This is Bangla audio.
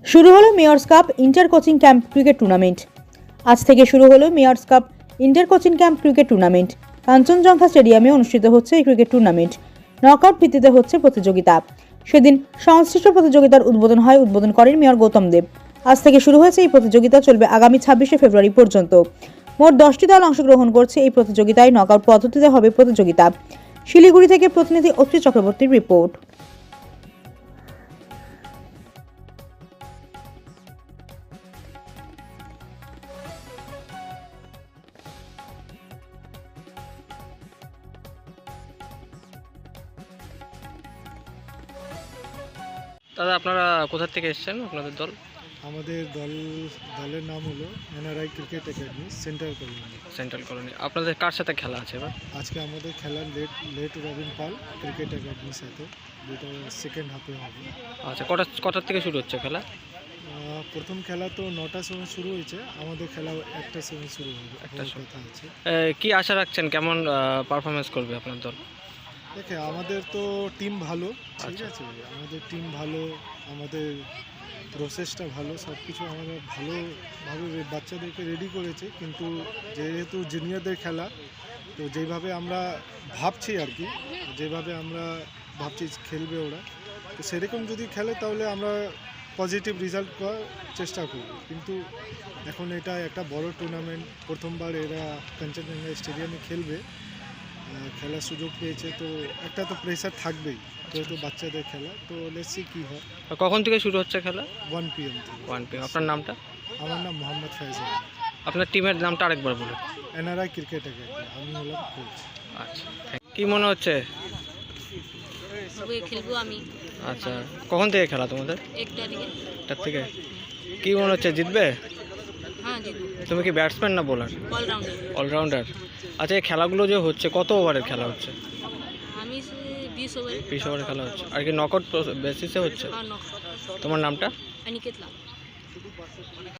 শুরু হলো mayor's cup inter coaching camp cricket tournament. আজ থেকে শুরু হলো mayor's cup inter coaching camp cricket tournament. Kanchenjunga স্টেডিয়ামে অনুষ্ঠিত হচ্ছে এই ক্রিকেট টুর্নামেন্ট। নকআউট ভিত্তিতে হচ্ছে প্রতিযোগিতা। সেদিন সংশ্লিষ্ট প্রতিযোগিতার উদ্বোধন করেন মেয়র গৌতম দেব। আজ থেকে শুরু হয়েছে এই প্রতিযোগিতা, চলবে আগামী 26শে ফেব্রুয়ারি পর্যন্ত। মোট 10টি দল অংশগ্রহণ করছে এই প্রতিযোগিতায়। নকআউট পদ্ধতিতে হবে প্রতিযোগিতা। শিলিগুড়ি থেকে প্রতিনিধি অত্রি চক্রবর্তীর রিপোর্ট। দাদা, আপনারা কোথা থেকে এসেছেন? আপনাদের দল? আমাদের দলের নাম হলো NRI cricket academy central colony. আপনাদের কার সাথে খেলা আছে এবার? আজকে আমাদের খেলা লেট রবিন পাল ক্রিকেট একাডেমির সাথে, যেটা সেকেন্ড হাফে হবে। আচ্ছা, কটার থেকে শুরু হচ্ছে খেলা? প্রথম খেলা তো 9টার সময় শুরু হয়েছে, আমাদের খেলা 1টার সময় শুরু হবে। একটা সময় কথা আছে। কি আশা রাখছেন, কেমন পারফরমেন্স করবে আপনার দল? দেখে আমাদের তো টিম ভালো, ঠিক আচ্ছা। আছে, আমাদের টিম ভালো, আমাদের প্রসেসটা ভালো, সব কিছু আমরা ভালোভাবে বাচ্চাদেরকে রেডি করেছে। কিন্তু যেহেতু জুনিয়রদের খেলা, তো যেভাবে আমরা ভাবছি আর কি, যেভাবে আমরা ভাবছি খেলবে ওরা, তো সেরকম যদি খেলে তাহলে আমরা পজিটিভ রেজাল্ট করার চেষ্টা করব। কিন্তু এখন এটা একটা বড় টুর্নামেন্ট, প্রথমবার এরা কাঞ্চনজঙ্ঘা স্টেডিয়ামে খেলবে, খেলার সুযোগ পেয়েছে, তো একটা তো প্রেশার থাকবেই, যেহেতু বাচ্চাদের খেলা। তো লেটস সি কী হয়। কখন থেকে শুরু হচ্ছে খেলা? 1 PM থেকে। 1 PM। আপনার নামটা? আমার নাম মোহাম্মদ ফাইজাল। আপনার টিমের নামটা আরেকবার বলুন। এনআরআই ক্রিকেট একাডেমি, আমি হলাম কোচ। আচ্ছা, কি মনে হচ্ছে? খেলবো আমি। আচ্ছা, কখন থেকে খেলা তোমাদের? 1টার থেকে। কি মনে হচ্ছে, জিতবে? হ্যাঁ, জিতবো। তুমি কি ব্যাটসম্যান না বোলার? অলরাউন্ডার। অলরাউন্ডার। আচ্ছা, এই খেলাগুলো যে হচ্ছে, কত ওভারের খেলা হচ্ছে? আমি 20 ওভারে। 20 ওভারের খেলা হচ্ছে। আর কি নকআউট বেসিসে হচ্ছে? আর নক তোমার নামটা? অনিকেত লাল।